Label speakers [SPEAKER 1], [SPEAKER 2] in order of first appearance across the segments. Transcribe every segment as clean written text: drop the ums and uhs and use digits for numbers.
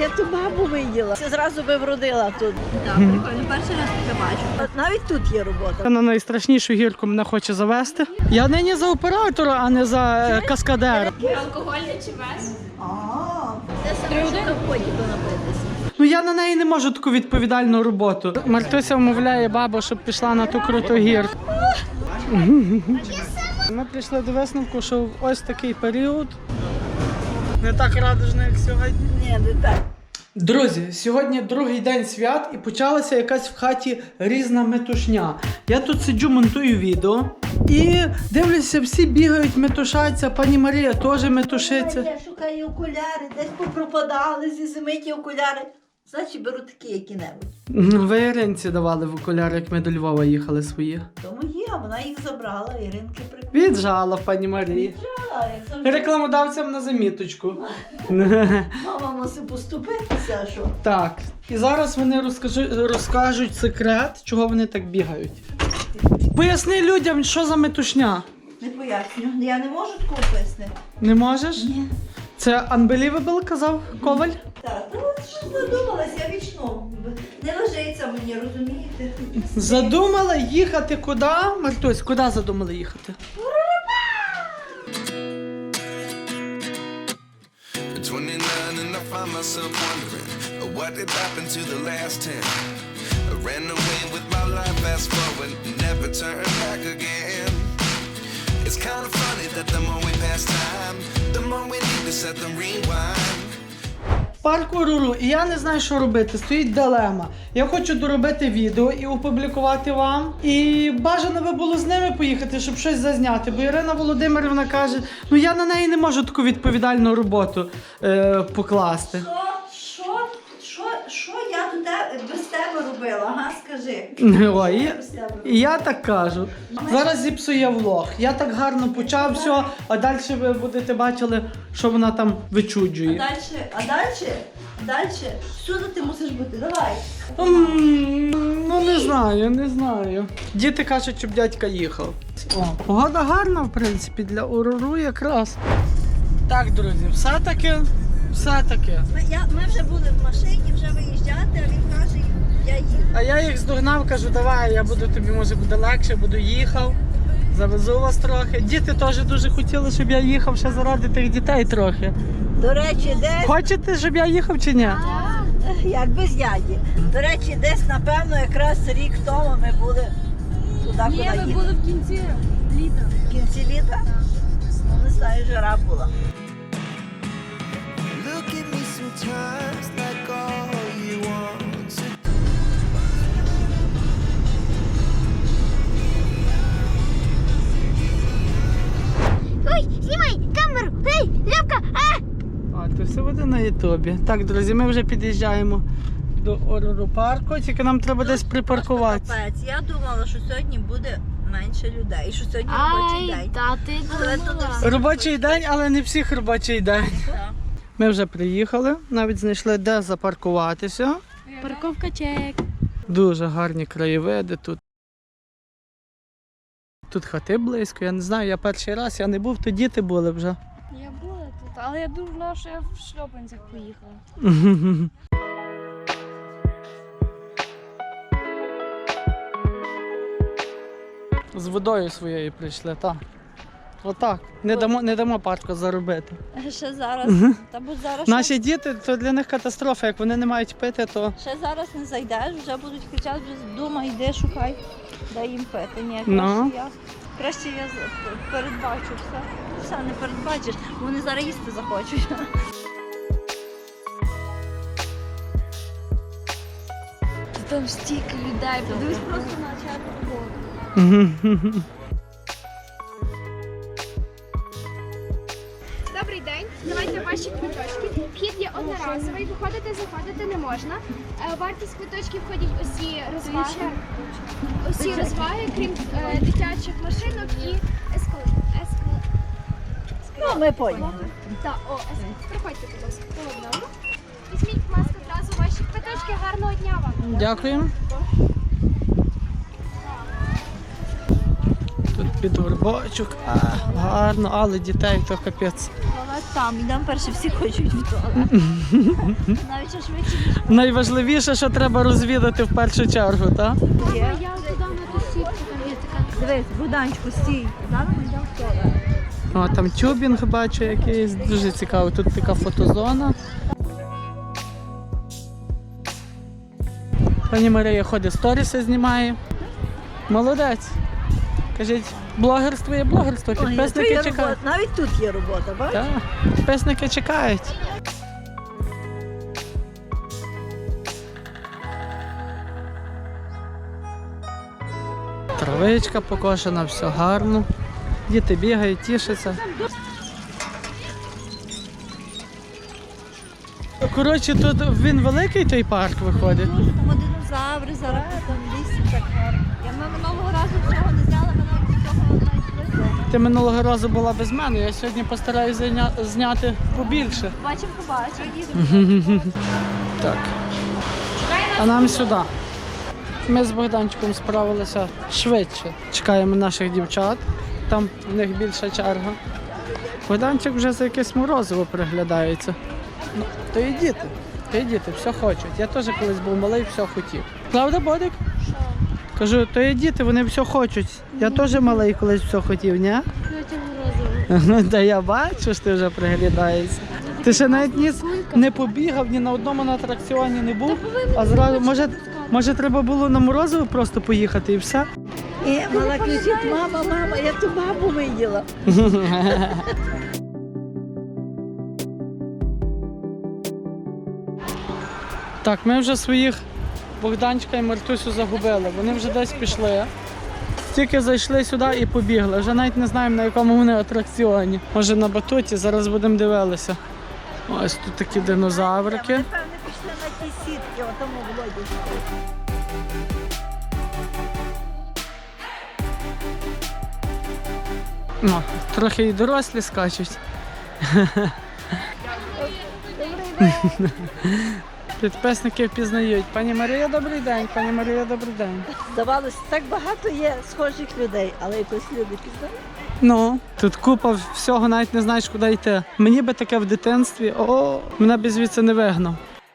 [SPEAKER 1] я ту бабу виділа. Це зразу би вродила тут.
[SPEAKER 2] Так, прикольно, перший раз таке бачу.
[SPEAKER 1] От навіть тут є робота.
[SPEAKER 3] На найстрашнішу гірку мене хоче завести. Я нині за оператора, а не за каскадера.
[SPEAKER 2] Алкогольний чи без?
[SPEAKER 1] Це саме що на вході то напитися.
[SPEAKER 3] Ну я на неї не можу таку відповідальну роботу. Мартуся вмовляє бабу, щоб пішла на ту круту гірку. Ми прийшли до висновку, що в ось такий період не так радужно, як сьогодні.
[SPEAKER 1] Ні, не так.
[SPEAKER 3] Друзі, сьогодні другий день свят і почалася якась в хаті різна метушня. Я тут сиджу, монтую відео і дивлюся, всі бігають, метушаться, пані Марія теж метушиться.
[SPEAKER 1] Я шукаю окуляри, десь попропадали зі зими ті окуляри. Значить, беру такі які-небудь.
[SPEAKER 3] Ви Іринці давали в окуляри, як ми до Львова їхали свої.
[SPEAKER 1] Тому є, вона їх забрала, Іринки прикольно.
[SPEAKER 3] Віджала, пані Марії.
[SPEAKER 1] Як завжди.
[SPEAKER 3] Рекламодавцям на заміточку.
[SPEAKER 1] Мама мусить поступитися, що?
[SPEAKER 3] Так, і зараз вони розкажуть секрет, чого вони так бігають. Поясни людям, що за метушня.
[SPEAKER 1] Не поясню. Я не можу такого пояснити.
[SPEAKER 3] Не можеш?
[SPEAKER 1] Ні.
[SPEAKER 3] Це unbelievable, казав Коваль?
[SPEAKER 1] Так, ну от що задумалась, я вічно. Не лежиться мені, розумієте?
[SPEAKER 3] Задумала їхати куди? Мартусь, куди задумала їхати?
[SPEAKER 4] At 29 and I find myself wondering what did happen to the last 10. I ran away with my life, fast forward, never turn back again. It's kind of funny that the more we pass time, the more we need to set them rewind.
[SPEAKER 3] Парк Уруру, і я не знаю, що робити, стоїть дилема. Я хочу доробити відео і опублікувати вам. І бажано би було з ними поїхати, щоб щось зазняти. Бо Ірина Володимирівна каже, ну я на неї не можу таку відповідальну роботу покласти.
[SPEAKER 1] Що я тут без тебе робила, ага, скажи.
[SPEAKER 3] Ой, і я так кажу. Зараз зіпсує влог. Я так гарно почав все, а далі ви будете бачили, що вона там вичуджує.
[SPEAKER 1] А далі, всюди ти мусиш бути, давай.
[SPEAKER 3] Ну не знаю. Діти кажуть, щоб дядька їхав. О, погода гарна, в принципі, для Уруру якраз. Так, друзі, все-таки.
[SPEAKER 1] Ми вже були в машині, вже виїжджати, а він каже, я їду.
[SPEAKER 3] А я їх здогнав, кажу, давай, я буду тобі, може буде легше, буду їхав. Завезу вас трохи. Діти теж дуже хотіли, щоб я їхав ще заради тих дітей трохи.
[SPEAKER 1] До речі, десь...
[SPEAKER 3] Хочете, щоб я їхав чи ні?
[SPEAKER 1] Як без дяді. До речі, десь, напевно, якраз рік тому ми були туди, куди їдемо.
[SPEAKER 2] Ні, ми були в кінці літа.
[SPEAKER 1] В кінці літа? Ну, не знаю, жара була.
[SPEAKER 4] Look at me sometimes like all you want to.
[SPEAKER 5] Ой, знімай камеру! Ей, Любка!
[SPEAKER 3] А, то все буде на ютубі. Так, друзі, ми вже під'їжджаємо до Уруру парку, тільки нам треба десь припаркуватися.
[SPEAKER 1] Капець, я думала, що сьогодні буде менше людей, і що сьогодні робочий день.
[SPEAKER 5] та ти
[SPEAKER 1] Але то не все.
[SPEAKER 3] Робочий день, але не всіх робочий день.
[SPEAKER 1] Так.
[SPEAKER 3] Ми вже приїхали, навіть знайшли, де запаркуватися.
[SPEAKER 2] Парковка чек.
[SPEAKER 3] Дуже гарні краєвиди тут. Тут хати близько, я не знаю, я перший раз, я не був, то діти були вже.
[SPEAKER 2] Я була тут, але я думала, що я в шльопанцях поїхала.
[SPEAKER 3] З водою своєю прийшли, так. Отак. Не дамо парку заробити.
[SPEAKER 1] Ще зараз, та будь зараз
[SPEAKER 3] Наші діти, то для них катастрофа, як вони не мають пити, то...
[SPEAKER 1] ще зараз не зайдеш, вже будуть кричати, вже вдома йди, шукай, дай їм пити. Ні,
[SPEAKER 3] Ну.
[SPEAKER 1] краще я передбачу все. Все не передбачиш, вони зараз їсти захочуть.
[SPEAKER 2] Там стільки людей, подивись просто на чат роботу.
[SPEAKER 6] Добрий день, давайте ваші квиточки. Вхід є одноразовий, виходити, заходити не можна. Вартість квиточків входять усі розваги. Усі розваги, крім дитячих машинок і
[SPEAKER 1] Ну, ми поняли.
[SPEAKER 6] Так, проходьте, будь ласка, по одному. Візьміть, будь ласка, одразу ваші квиточки. Гарного дня вам.
[SPEAKER 3] Дякуємо. Тут під горбочок, гарно, але дітей то капець.
[SPEAKER 1] Туалет там, ідемо перше, всі хочуть в туалет. Навіть що швидше, ніж
[SPEAKER 3] Найважливіше, що треба розвідати в першу чергу, так?
[SPEAKER 1] є.
[SPEAKER 6] Я туди на ту сітку, там є така.
[SPEAKER 1] Дивись, Богданчику, стій. Зараз ми йдемо в туалет.
[SPEAKER 3] О, там тюбінг бачу якийсь, дуже цікаво. Тут така фотозона. Пані Марія ходить, сторіси знімає. Молодець. Кажіть, блогерство є блогерство,
[SPEAKER 1] Ой,
[SPEAKER 3] підписники
[SPEAKER 1] то є
[SPEAKER 3] чекають.
[SPEAKER 1] робота. Навіть тут є робота, бачиш?
[SPEAKER 3] Так, підписники чекають. Травичка покошена, все гарно. Діти бігають, тішаться. Коротше, тут він великий той парк виходить.
[SPEAKER 1] Дуже там динозаври зараз там в лісі так гарно. Ми минулого разу всього не зняли, ми навіть цього навіть вийшли.
[SPEAKER 3] Ти минулого разу була без мене, я сьогодні постараюся зняти побільше.
[SPEAKER 1] Бачимо, побачимо.
[SPEAKER 3] Так. А нам сюди. Ми з Богданчиком справилися швидше. Чекаємо наших дівчат. Там в них більша черга. Богданчик вже за якесь морозиво приглядається. Ну, то і діти, все хочуть. Я теж колись був малий, все хотів. Правда, Бодик?
[SPEAKER 2] Що?
[SPEAKER 3] Кажу, то і діти, вони все хочуть. Я теж малий колись все хотів, ні?
[SPEAKER 2] Я тебе морозиво.
[SPEAKER 3] Ну, та я бачу, що ти вже приглядаєшся. Ти ще навіть не побігав, ні на одному атракціоні не був. А зразу, може треба було на морозиво просто поїхати і все?
[SPEAKER 1] І мала кричить: мама, мама, я ту бабу виділа.
[SPEAKER 3] Так, ми вже своїх Богданчика і Мартусю загубили. Вони вже десь пішли. Тільки зайшли сюди і побігли. Вже навіть не знаємо, на якому вони атракціоні. Може на батуті, зараз будемо дивитися. Ось тут такі динозаврики.
[SPEAKER 1] Вони, певне, пішли на ті сітки, отому Володі.
[SPEAKER 3] О, трохи і дорослі скачуть. Підписники впізнають. Пані Марія, добрий день. Пані Марія, добрий день.
[SPEAKER 1] Здавалося, так багато є схожих людей, але якось люди пізнають.
[SPEAKER 3] Ну, тут купа всього, навіть не знаєш, куди йти. Мені би таке в дитинстві, мене б звідси не вигнав.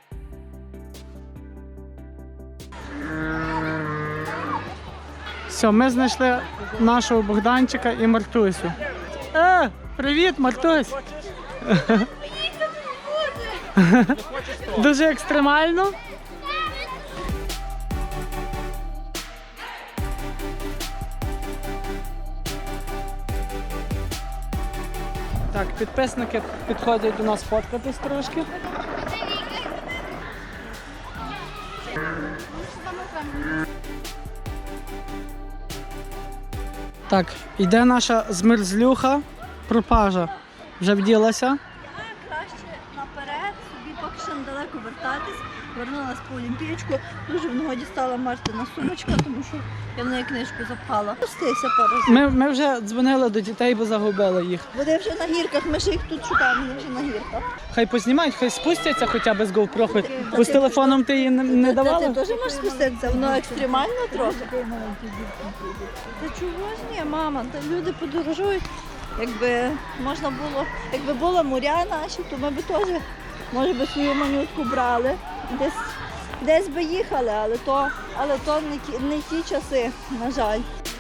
[SPEAKER 3] Все, ми знайшли нашого Богданчика і Мартусю. Привіт, Мартусь! Дуже екстремально. Так, підписники підходять до нас фоткатись трошки. Так, йде наша змерзлюха, пропажа. Вже вділася.
[SPEAKER 1] Краще наперед, собі поки що недалеко вертатись. Вернулась по олімпієчку. Дуже в нагоді стала Мартина сумочка, тому що я в неї книжку запхала. Пустися пару разів.
[SPEAKER 3] Ми вже дзвонили до дітей, бо загубили їх.
[SPEAKER 1] Вони вже на гірках, ми ще їх тут шукаємо, вони вже на гірках.
[SPEAKER 3] Хай познімають, хай спустяться хоча б з GoPro. Бо з телефоном ти її не
[SPEAKER 1] Ти
[SPEAKER 3] давала?
[SPEAKER 1] теж можеш спуститися, воно екстремально трохи. Та чого ж ні, мама, та люди подорожують. Якби можна було, якби була моря наші, то ми б теж, може би, свою манютку брали, десь би їхали, але то не ті часи, на жаль.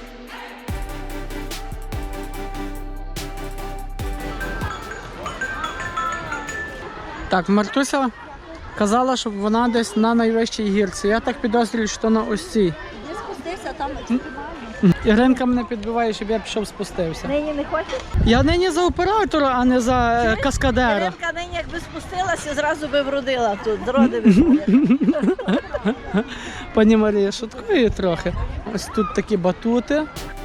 [SPEAKER 3] Так, Мартуся казала, щоб вона десь на найвищій гірці. Я так підозрюю, що на ось цій.
[SPEAKER 1] Де спустився, там екстремально.
[SPEAKER 3] Іринка мене підбиває, щоб я пішов спустився.
[SPEAKER 1] Нині не хочеш?
[SPEAKER 3] Я нині за оператора, а не за каскадера.
[SPEAKER 1] Іринка нині якби спустилася, зразу би вродила тут, зроди виходять.
[SPEAKER 3] Пані Марія шуткує трохи. Ось тут такі батути.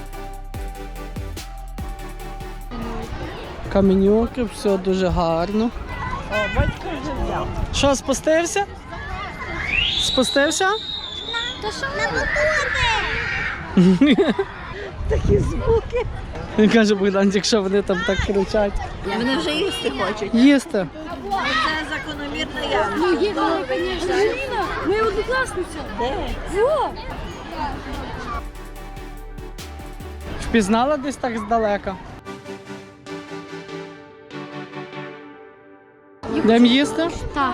[SPEAKER 3] Каменюки, все дуже гарно.
[SPEAKER 1] О, батько вже взяв.
[SPEAKER 3] Що, спустився? Спустився?
[SPEAKER 5] То що на батути?
[SPEAKER 1] Такі звуки.
[SPEAKER 3] Він каже Богданчик, що вони там так кричать.
[SPEAKER 1] Вони вже їсти хочуть.
[SPEAKER 3] Їсти.
[SPEAKER 1] Це закономірно я.
[SPEAKER 2] Ну, є, звісно. Аліна, моя однокласниця.
[SPEAKER 1] Де?
[SPEAKER 2] Во!
[SPEAKER 3] Впізнала десь так здалека? Йдемо їсти?
[SPEAKER 2] Так.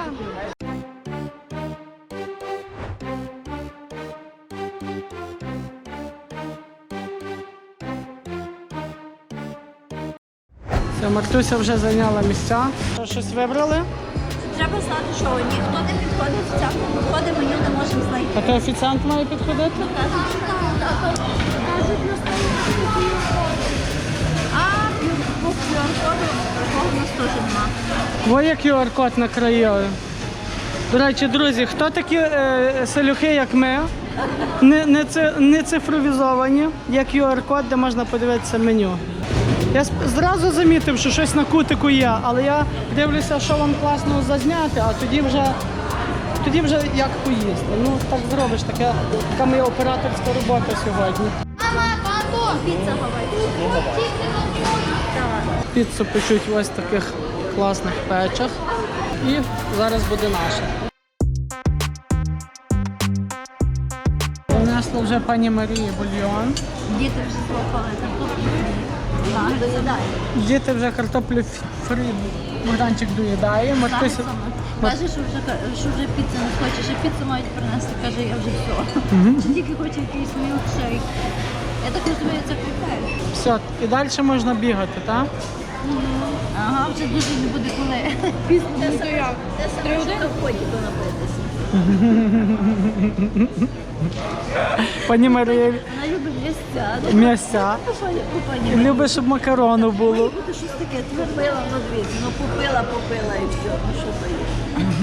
[SPEAKER 3] Все, Мартуся вже зайняла місця. Щось вибрали?
[SPEAKER 1] Треба знати, що ніхто не підходить в цьому входи, меню не можемо знайти.
[SPEAKER 3] А то офіціант має підходити?
[SPEAKER 1] А по QR-коду такого у нас теж нема.
[SPEAKER 3] Ой, як QR-код накроїли. До речі, друзі, хто такі селюхи, як ми, не цифровізовані, є QR-код, де можна подивитися меню. Я зразу замітив, що щось на кутику є, але я дивлюся, що вам класно зазняти, а тоді вже як поїсти. Ну, так зробиш, така моя операторська робота сьогодні.
[SPEAKER 1] Піца гавайська.
[SPEAKER 3] Піцу печуть в ось таких класних печах. І зараз буде наша. Принесла вже пані Марії бульйон.
[SPEAKER 1] Діти вже злопали картоплю. Так, доїдає.
[SPEAKER 3] Діти вже картоплю фрі. Богданчик доїдає. Мартуся...
[SPEAKER 1] Каже, що вже піцу не хоче, що піцу мають принести. Каже, я вже все. Чи тільки хоче якийсь мілкшейк. Я так розумію, це критерій.
[SPEAKER 3] Все, і далі можна бігати, так?
[SPEAKER 1] Ага, вже дуже не буде коли. Пізно. Де саме в ході до напитися.
[SPEAKER 3] Пані Марія,
[SPEAKER 1] Вона любить місця.
[SPEAKER 3] м'ясця.
[SPEAKER 1] Пані
[SPEAKER 3] Любить, щоб макарону було.
[SPEAKER 1] Має бути щось таке, ти пила, ну дивіться, ну попила і все, ну що то є.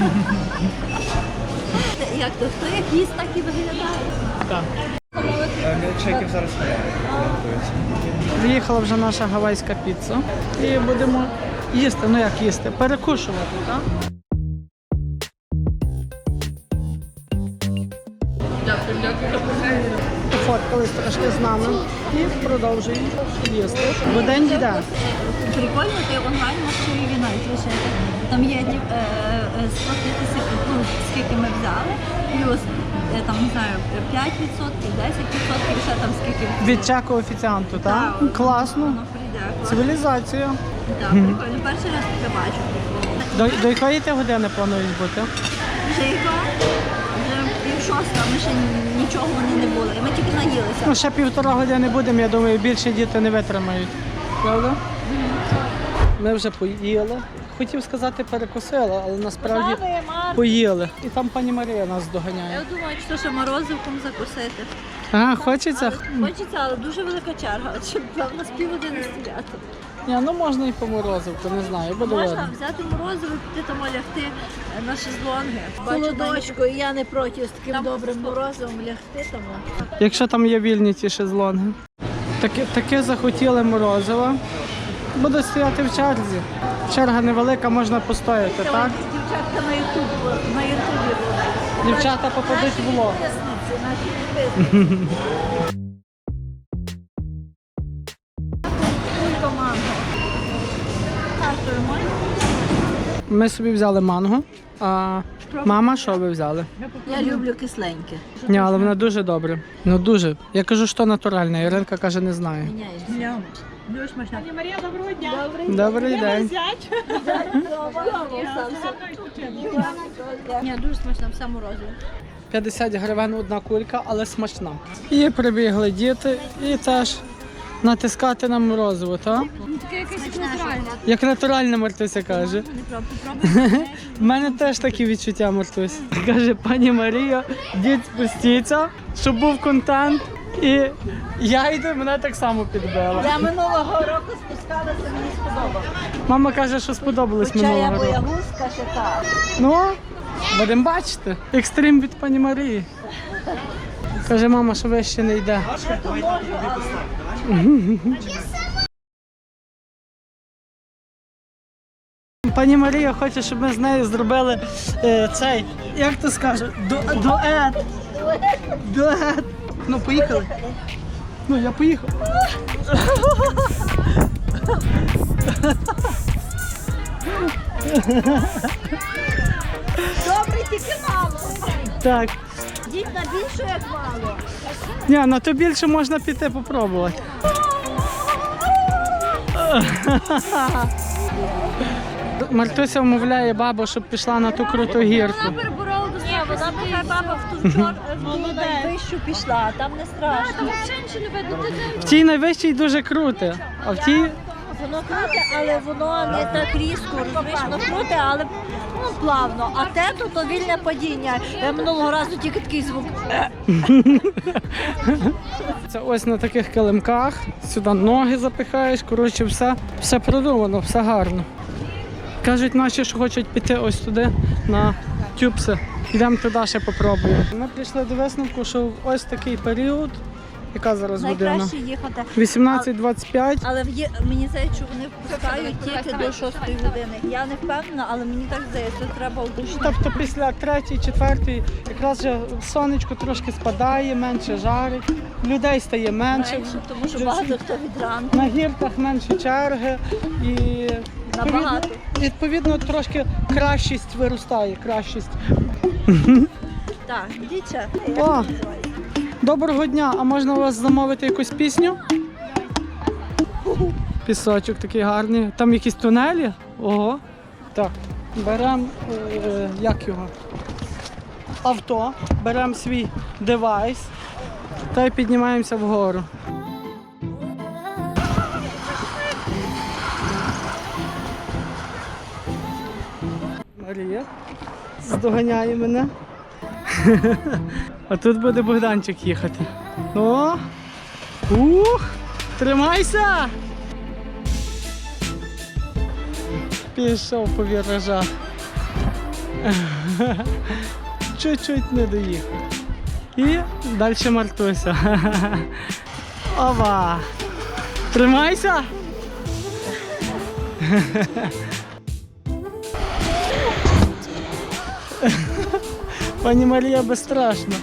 [SPEAKER 1] Як то, хто як їсть, так і виглядає.
[SPEAKER 3] Так.
[SPEAKER 7] Мілкшейків зараз немає.
[SPEAKER 3] Приїхала вже наша гавайська піца. І будемо їсти, ну як їсти, перекушувати, так? Пофоткались трошки з нами і продовжуємо їсти. Бо день йде.
[SPEAKER 1] Прикольно, ти онлайн можеш і навіть лишити. Там є сплатитися, ну, скільки ми взяли, плюс там, не знаю, 5%, 10%, ще там скільки.
[SPEAKER 3] Від чеку офіціанту, так?
[SPEAKER 1] Так.
[SPEAKER 3] Класно.
[SPEAKER 1] Воно прийде.
[SPEAKER 3] Цивілізація.
[SPEAKER 1] Так, прикольно. Перший раз таке бачу.
[SPEAKER 3] До якої ти години плануєш бути?
[SPEAKER 1] Вже яка? Вже пів-шоста, ми ще нічого вони не були. Ми тільки наїлися.
[SPEAKER 3] Ну, ще 1,5 години будемо, я думаю, більше діти не витримають. Правда? Ми вже поїли. Хотів сказати, перекусили, але насправді поїли. І там пані Марія нас доганяє.
[SPEAKER 1] Я думаю, що ще морозивком закусити.
[SPEAKER 3] А, хочеться?
[SPEAKER 1] Хочеться, але дуже велика черга. От щоб в нас півгодини стояти.
[SPEAKER 3] Ні, ну можна і по морозивку, не знаю, буде
[SPEAKER 1] Можна
[SPEAKER 3] видно.
[SPEAKER 1] взяти морозиво, піти там лягти на шезлонги. Солодочку, і я не проти з таким добрим морозивом лягти там.
[SPEAKER 3] Якщо там є вільні ті шезлонги. Таке захотіли морозиво. Буде стояти в черзі. Черга невелика, можна постояти, так?
[SPEAKER 1] Дівчатка на ютубі були.
[SPEAKER 3] Дівчата попадуть в влог.
[SPEAKER 1] Підписниці, наші підписниці. Манго.
[SPEAKER 3] Ми собі взяли манго, а мама що ви взяли?
[SPEAKER 1] Я люблю кисленьке.
[SPEAKER 3] Ні, але вона дуже добре. Ну дуже. Я кажу, що натуральне. Іринка каже, не знає.
[SPEAKER 1] Дуже смачно.
[SPEAKER 2] Марія, доброго дня.
[SPEAKER 3] Добрий день.
[SPEAKER 1] Ні, дуже смачно, все морозиво.
[SPEAKER 3] 50 гривень одна кулька, але смачна. І прибігли діти, і теж натискати на морозиво, так?
[SPEAKER 2] Таке якесь натуральне.
[SPEAKER 3] Як натуральне, Мартуся каже. У мене теж такі відчуття, Мартусь. Каже, пані Марія, дід спустіться, щоб був контент. І я йду, мене так само підбила.
[SPEAKER 1] Я минулого року спускалася, мені сподобалося.
[SPEAKER 3] Мама каже, що сподобалось
[SPEAKER 1] Хоча я
[SPEAKER 3] минулого року.
[SPEAKER 1] боягузка ще так.
[SPEAKER 3] Ну, будемо бачити. Екстрим від пані Марії. Каже, мама, що вище не йде. Пані Марія хоче, щоб ми з нею зробили цей, як то скаже, дует. Дует. Ну, поїхали. Ну, я поїхав.
[SPEAKER 1] Добре, тільки мало.
[SPEAKER 3] Так.
[SPEAKER 1] Діть на більше, як мало.
[SPEAKER 3] Ні, на то більше можна піти попробувати. Мартуся вмовляє бабу, щоб пішла на ту круту гірку.
[SPEAKER 2] Переборола до
[SPEAKER 1] Ні, вона нехай баба в ту найвищу пішла, там не страшно.
[SPEAKER 2] Там взагалі нічого не видно.
[SPEAKER 3] В тій найвищій дуже круте, а в тій
[SPEAKER 1] Воно круте, але воно не так різко, розумієш, воно круте, але плавно. А те то вільне падіння. Я минулого разу тільки такий звук.
[SPEAKER 3] це ось на таких килимках, сюди ноги запихаєш, коротше, все продумано, все гарно. Кажуть наші, що хочуть піти ось туди, на тюбси. Йдемо туди ще попробуємо. Ми прийшли до висновку, що ось такий період, яка зараз година?
[SPEAKER 1] Найкраще їхати.
[SPEAKER 3] 18-25.
[SPEAKER 1] Але мені здається, що вони впускають тільки до 6 години. Я не впевнена, але мені так здається, треба удушно.
[SPEAKER 3] Тобто після 3-4 якраз вже сонечко трошки спадає, менше жарить, людей стає менше.
[SPEAKER 1] Тому що багато хто від ранку.
[SPEAKER 3] На гірках менше черги і
[SPEAKER 1] Набагато.
[SPEAKER 3] відповідно трошки кращість виростає, кращість.
[SPEAKER 1] Так, дівча.
[SPEAKER 3] О, доброго дня, а можна у вас замовити якусь пісню? Пісочок такий гарний. Там якісь тунелі? Ого. Так, беремо, як його? Авто, беремо свій девайс та й піднімаємося вгору. Марія здоганяє мене. А тут буде Богданчик їхати. О! Ух! Тримайся! Пішов по віражах. Чуть-чуть не доїхав. І далі Мартуся. Ова! Тримайся! Пані Марія безстрашна.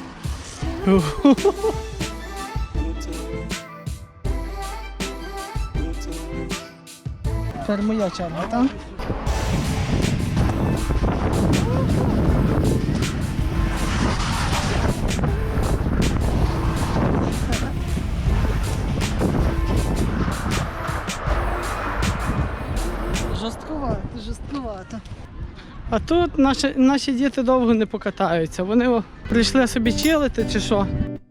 [SPEAKER 3] Тепер моя черга, так? Жорстковато. А тут наші діти довго не покатаються. Вони прийшли собі чилити чи що.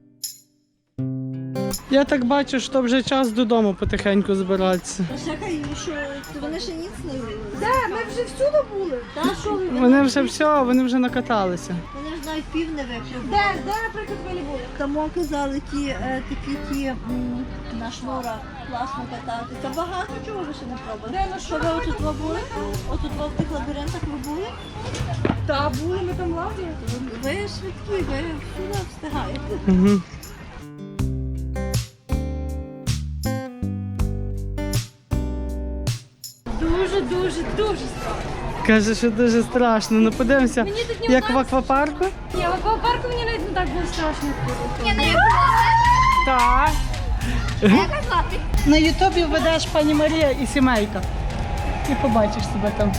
[SPEAKER 3] Я так бачу, що вже час додому потихеньку збиратися.
[SPEAKER 1] Чекай, що вони ще ніц не вивели.
[SPEAKER 2] Ми вже всюди були.
[SPEAKER 1] Та що ви?
[SPEAKER 3] Вони вже все, вони вже накаталися.
[SPEAKER 1] Вони ж навіть пів не випили.
[SPEAKER 2] Де, наприклад, ви не були?
[SPEAKER 1] Тому казали, такі на шнурах класно кататися. Багато чого ви ще не пробували.
[SPEAKER 2] Де на
[SPEAKER 1] Що ви отут ви були? Отут ви в тих лабіринтах ви були?
[SPEAKER 2] Та були, ми там лазили.
[SPEAKER 1] Ви швидкі, ви всюди встигаєте.
[SPEAKER 3] Угу.
[SPEAKER 2] Дуже страшно.
[SPEAKER 3] Каже, що дуже страшно. Ну подивимося,
[SPEAKER 2] Мені тут не
[SPEAKER 3] як в аквапарку.
[SPEAKER 2] Ні, в аквапарку мені навіть не так було страшно.
[SPEAKER 3] Так. На Ютубі введеш пані Марія і сімейка. І побачиш себе там.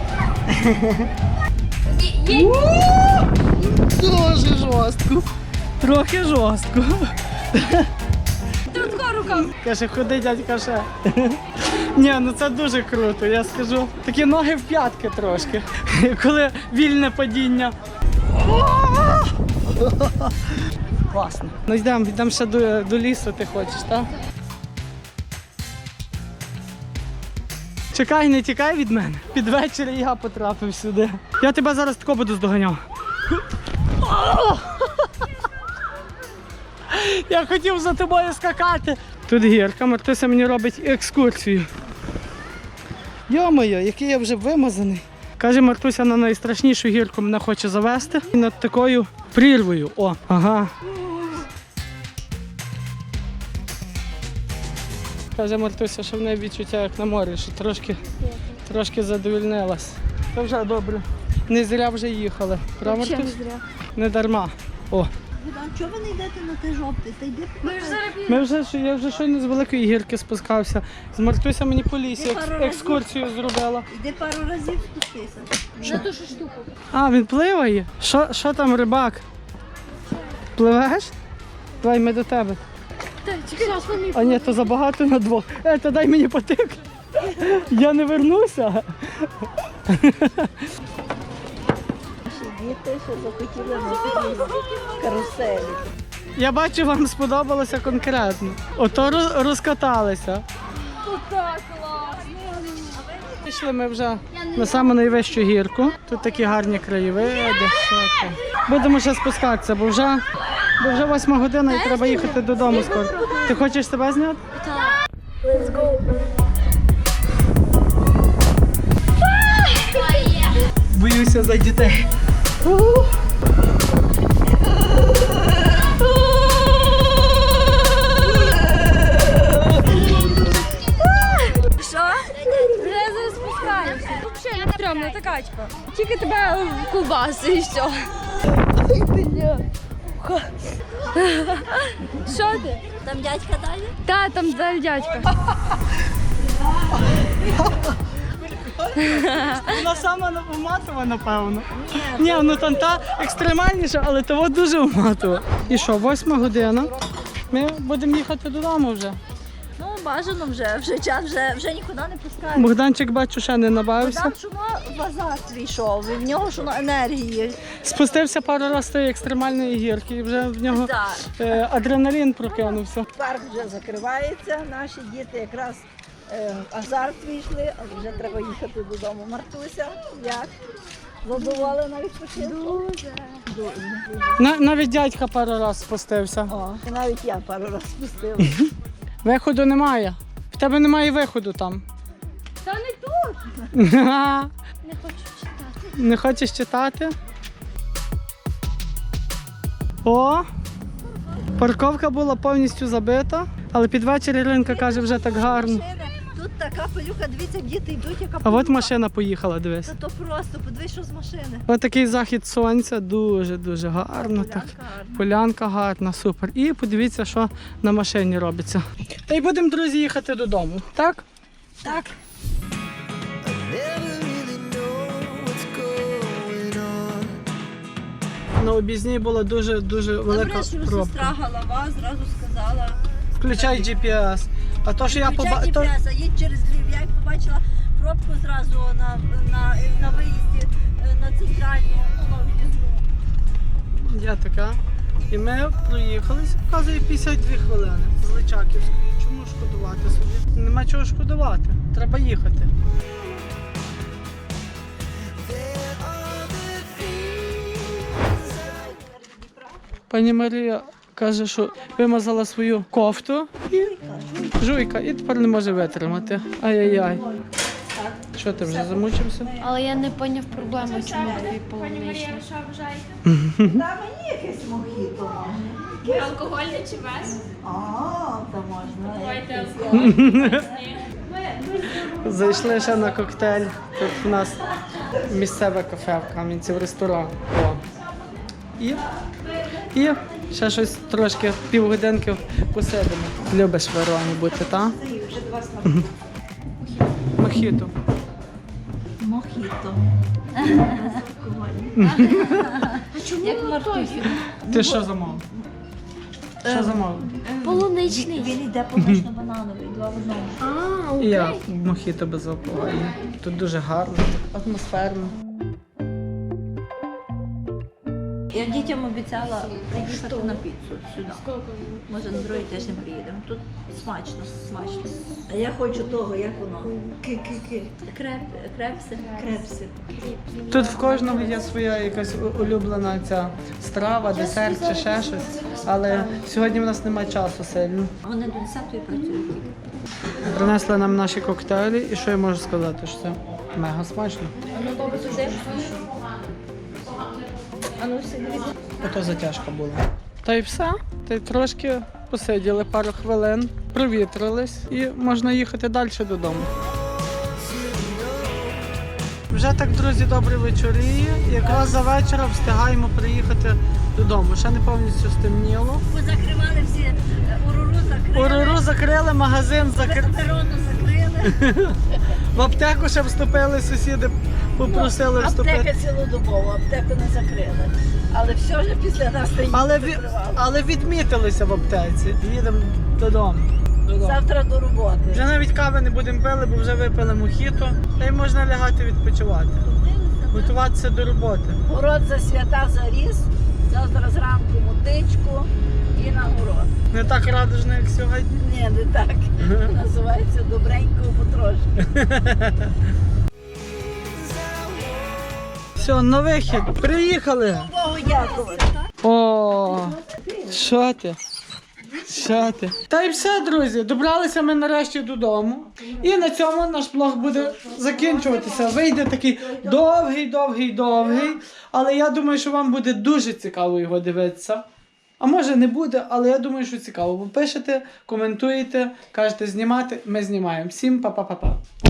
[SPEAKER 3] Дуже жорстко. Трохи жорстко.
[SPEAKER 2] Трудко рука.
[SPEAKER 3] Каже, ходи, дядька ще. Ні, ну це дуже круто, я скажу. Такі ноги в п'ятки трошки, коли вільне падіння. Класно. Ну йдемо ще до лісу, ти хочеш, так? Чекай, не тікай від мене. Під вечір я потрапив сюди. Я тебе зараз тако буду здоганяв. Я хотів за тобою скакати. Тут гірка, Мартуся мені робить екскурсію. Йо-моє, який я вже вимазаний. Каже, Мартуся на найстрашнішу гірку мене хоче завести. І над такою прірвою. О, ага. Каже Мартуся, що в неї відчуття як на морі, що трошки задовільнилась. Це вже добре. Не зря вже їхали. Правда, Мартуся? Не дарма. О.
[SPEAKER 1] Богдан, чого ви не йдете на те жовте? Та йди.
[SPEAKER 3] Я вже щойно з великої гірки спускався. З Мартуся мені по лісі екскурсію зробила.
[SPEAKER 1] Йди пару разів спустися.
[SPEAKER 2] На ту ж штуку.
[SPEAKER 3] А, він пливає? Що там, рибак? Пливеш? Давай ми до тебе.
[SPEAKER 2] Так, зараз вони.
[SPEAKER 3] А ні, то забагато на двох. То дай мені потик. Я не вернуся.
[SPEAKER 1] Діти, що захотіли на такій каруселі.
[SPEAKER 3] Я бачу, вам сподобалося конкретно. Ото розкаталися.
[SPEAKER 2] Тут так класно.
[SPEAKER 3] Пішли ми вже на саму найвищу гірку. Тут такі гарні краєвиди. Що там. Будемо ще спускатися, бо вже 8 година і треба їхати додому скоро. Ти хочеш себе зняти?
[SPEAKER 2] Let's go.
[SPEAKER 3] Боюся за дітей.
[SPEAKER 2] Що? Вже зараз спускаємося. Взагалі не стрьомна та качка. Тільки тебе ковбаси і все. Що ти?
[SPEAKER 1] Там дядька далі?
[SPEAKER 2] Та, там далі дядька.
[SPEAKER 3] Вона сама уматова, напевно. Ні, ну там та екстремальніша, але того дуже уматова. І що, 8 година. Ми будемо їхати додому вже.
[SPEAKER 1] Ну, бажано вже час, вже нікуди не пускають.
[SPEAKER 3] Богданчик, бачу, ще не набавився.
[SPEAKER 1] Там шуно в азарт війшов, і в нього шуно енергії.
[SPEAKER 3] Спустився пару разів з тієї екстремальної гірки, і вже в нього
[SPEAKER 1] Так.
[SPEAKER 3] адреналін прокинувся.
[SPEAKER 1] Парк вже закривається, наші діти якраз в азарт війшли, але вже треба їхати додому. Мартуся, як? Задоволена відпочинку? Дуже.
[SPEAKER 3] Навіть дядька пару разів спустився.
[SPEAKER 1] О, і навіть я пару разів спустила.
[SPEAKER 3] Виходу немає. В тебе немає виходу там.
[SPEAKER 2] Та не тут. Не хочу читати.
[SPEAKER 3] Не хочеш читати? О! Парковка була повністю забита, але під вечір Іринка каже, вже так гарно.
[SPEAKER 1] Машини, тут така пилюка, дивіться, діти йдуть, яка
[SPEAKER 3] А
[SPEAKER 1] пилюка.
[SPEAKER 3] от машина поїхала, дивись.
[SPEAKER 1] Та то просто, подивись, що з машини.
[SPEAKER 3] Ось такий захід сонця, дуже гарно. Так.
[SPEAKER 1] гарна.
[SPEAKER 3] Полянка гарна, супер. І подивіться, що на машині робиться. Та й будемо, друзі, їхати додому. Так?
[SPEAKER 1] Так.
[SPEAKER 4] Never really know what's going on.
[SPEAKER 3] На об'їзній була дуже велика
[SPEAKER 1] Добре, що
[SPEAKER 3] пробка.
[SPEAKER 1] сестра голова зразу сказала.
[SPEAKER 3] Включай GPS. А то, що я
[SPEAKER 1] Включай
[SPEAKER 3] побачив.
[SPEAKER 1] GPS, а їдь через Львів. Я як побачила пробку зразу на виїзді на центральну, на в'їзну.
[SPEAKER 3] Я така. І ми проїхалися, показує 52 хвилини з Личаківської. Чому шкодувати собі? Нема чого шкодувати. Треба їхати. Пані Марія каже, що вимазала свою кофту і жуйка, і тепер не може витримати. Ай-яй-яй. Що ти вже замучився?
[SPEAKER 2] Але я не поняв проблему, чому тобі полуничний.
[SPEAKER 6] Що вважає?
[SPEAKER 1] Та мені якесь мохіто можна.
[SPEAKER 6] Алкогольне чи без?
[SPEAKER 1] А, то можна.
[SPEAKER 6] Давайте
[SPEAKER 3] Зайшли ще на коктейль. Тут у нас місцеве кафе в Кам'янці, в ресторан. О. І ще щось трошки півгодинки посидимо. Любиш в Вероні бути, так? Мохіто.
[SPEAKER 1] Мохіто.
[SPEAKER 2] Як Мартусі.
[SPEAKER 3] Ти що замовив? Що замовив?
[SPEAKER 2] Полуничний.
[SPEAKER 1] Він йде полунично-банановий, два в одному.
[SPEAKER 3] І я мохіто безалкогольне. Тут дуже гарно, так атмосферно.
[SPEAKER 1] Я дітям обіцяла приїхати на піцу сюди. Може на другий тиждень приїдемо. Тут смачно. А я хочу того, як воно. Крепси.
[SPEAKER 3] Тут в кожного є своя якась улюблена ця страва, десерт чи ще щось. Але сьогодні в нас немає часу сильно.
[SPEAKER 1] Вони до 10-ї працюють тільки.
[SPEAKER 3] Принесли нам наші коктейлі, і що я можу сказати, що це мега смачно. Ото затяжка була. Та й все. Та й трошки посиділи пару хвилин, провітрились і можна їхати далі додому. Вже так, друзі, добре вечоріє. Якраз за вечора встигаємо приїхати додому. Ще не повністю стемніло.
[SPEAKER 1] Позакривали всі, уруру закрили.
[SPEAKER 3] Уруру закрили, магазин закрили.
[SPEAKER 1] Перону закрили.
[SPEAKER 3] В аптеку ще вступили, сусіди попросили вступити.
[SPEAKER 1] Аптека цілодобово, аптеку не закрили. Але все ж після нас
[SPEAKER 3] Але відмітилися в аптеці. Їдемо додому.
[SPEAKER 1] Завтра до роботи.
[SPEAKER 3] Вже навіть кави не будемо пили, бо вже випили мохіто. Та й можна лягати відпочивати. Готуватися до роботи.
[SPEAKER 1] Город за свята заріс. Завтра зранку мотичку і на город.
[SPEAKER 3] Не так радужно, як сьогодні.
[SPEAKER 1] Ні, не так. Називається добренько потрошки.
[SPEAKER 3] Все, на вихід. Приїхали.
[SPEAKER 1] Богу дякувати.
[SPEAKER 3] О, що ти? Що ти? Та й все, друзі, добралися ми нарешті додому. І на цьому наш блог буде закінчуватися. Вийде такий довгий. Але я думаю, що вам буде дуже цікаво його дивитися. А може не буде, але я думаю, що цікаво. Бо пишете, коментуєте, кажете знімати, ми знімаємо. Всім па-па-па-па.